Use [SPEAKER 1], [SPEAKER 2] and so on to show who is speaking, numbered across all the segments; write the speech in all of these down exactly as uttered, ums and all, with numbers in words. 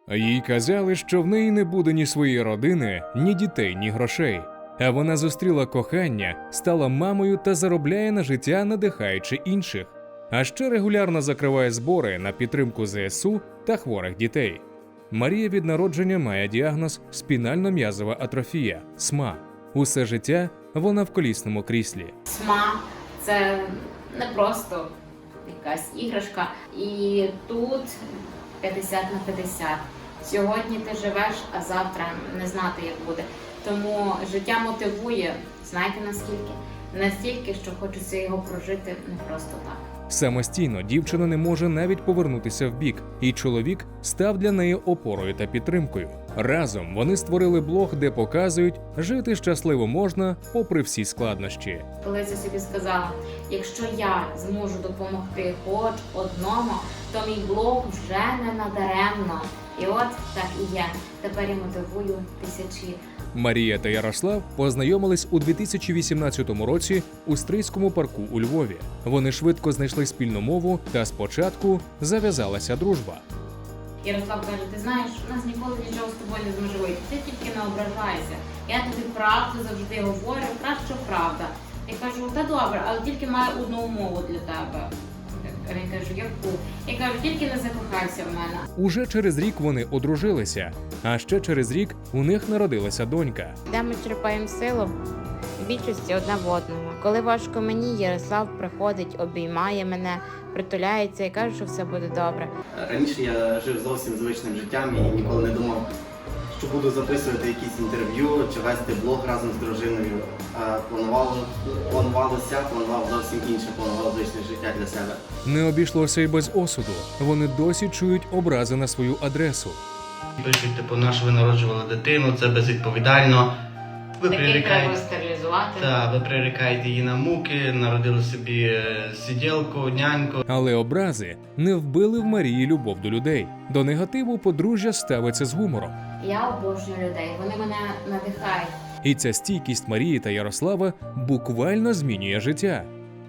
[SPEAKER 1] Їй казали, що в неї не буде ні своєї родини, ні дітей, ні грошей. А вона зустріла кохання, стала мамою та заробляє на життя, надихаючи інших. А ще регулярно закриває збори на підтримку зе ес у та хворих дітей. Марія від народження має діагноз спінально-м'язова атрофія – СМА. Усе життя вона в колісному кріслі.
[SPEAKER 2] СМА – це не просто якась іграшка. І тут п'ятдесят на п'ятдесят. Сьогодні ти живеш, а завтра не знати, як буде. Тому життя мотивує, знаєте наскільки? Настільки, що хочеться його прожити не просто так.
[SPEAKER 1] Самостійно дівчина не може навіть повернутися вбік, і чоловік став для неї опорою та підтримкою. Разом вони створили блог, де показують, жити щасливо можна попри всі складнощі.
[SPEAKER 2] Колись я собі сказала, якщо я зможу допомогти хоч одному, то мій блог вже не надаремно. І от так і є. Тепер я мотивую тисячі.
[SPEAKER 1] Марія та Ярослав познайомились у дві тисячі вісімнадцятому році у Стрийському парку у Львові. Вони швидко знайшли спільну мову та спочатку зав'язалася дружба.
[SPEAKER 2] Ярослав каже, ти знаєш, у нас ніколи нічого з тобою не зможе вийти, ти тільки не ображайся. Я тобі правду завжди говорю, краще правда. Я кажу, та добре, але тільки маю одну умову для тебе. Він каже, яку? Я кажу, тільки не закохайся в мене.
[SPEAKER 1] Уже через рік вони одружилися, а ще через рік у них народилася донька.
[SPEAKER 3] Де ми черпаємо силу? В більшості одне в одного. Коли важко мені, Ярослав приходить, обіймає мене, притуляється і каже, що все буде добре.
[SPEAKER 4] Раніше я жив зовсім звичним життям і ніколи не думав, що буду записувати якісь інтерв'ю чи вести блог разом з дружиною. А планувало, планувалося, планував зовсім інше, планував звичне життя для себе.
[SPEAKER 1] Не обійшлося й без осуду. Вони досі чують образи на свою адресу.
[SPEAKER 4] Пишуть, типу, на що ви народжували дитину, це безвідповідально. Ви
[SPEAKER 2] Таких треба
[SPEAKER 4] прирікаєте,
[SPEAKER 2] стерилізувати.
[SPEAKER 4] та, ви прирікаєте її на муки, народили собі е, сиділку, няньку.
[SPEAKER 1] Але образи не вбили в Марії любов до людей. До негативу подружжя ставиться з гумором.
[SPEAKER 2] Я обожнюю людей, вони мене надихають.
[SPEAKER 1] І ця стійкість Марії та Ярослава буквально змінює життя.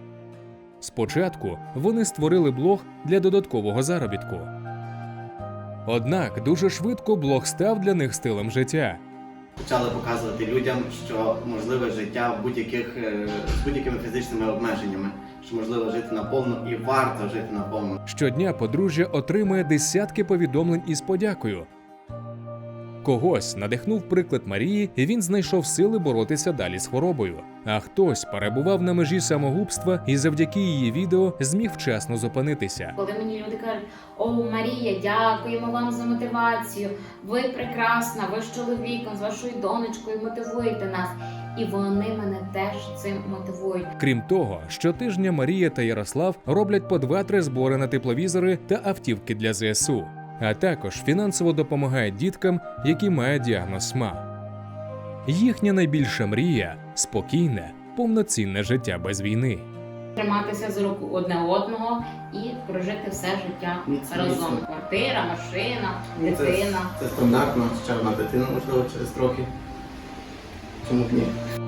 [SPEAKER 1] Спочатку вони створили блог для додаткового заробітку. Однак дуже швидко блог став для них стилем життя.
[SPEAKER 4] Почали показувати людям, що можливе життя в будь-яких, е, з будь-якими фізичними обмеженнями, що можливо жити наповну і варто жити наповну.
[SPEAKER 1] Щодня подружжя отримує десятки повідомлень із подякою. Когось надихнув приклад Марії, і він знайшов сили боротися далі з хворобою. А хтось перебував на межі самогубства і завдяки її відео зміг вчасно зупинитися.
[SPEAKER 2] Коли мені люди кажуть, о, Марія, дякуємо вам за мотивацію, ви прекрасна, ви з чоловіком, з вашою донечкою мотивуєте нас. І вони мене теж цим мотивують.
[SPEAKER 1] Крім того, щотижня Марія та Ярослав роблять по два-три збори на тепловізори та автівки для зе ес у. А також фінансово допомагають діткам, які мають діагноз СМА. Їхня найбільша мрія – спокійне, повноцінне життя без війни.
[SPEAKER 2] Триматися за руку одне одного і прожити все життя
[SPEAKER 4] Міцно,
[SPEAKER 2] разом.
[SPEAKER 4] міцно.
[SPEAKER 2] Квартира, машина,
[SPEAKER 4] Ну, це,
[SPEAKER 2] дитина.
[SPEAKER 4] це стандартно, ще одна дитина, можливо, через трохи. Чому б ні?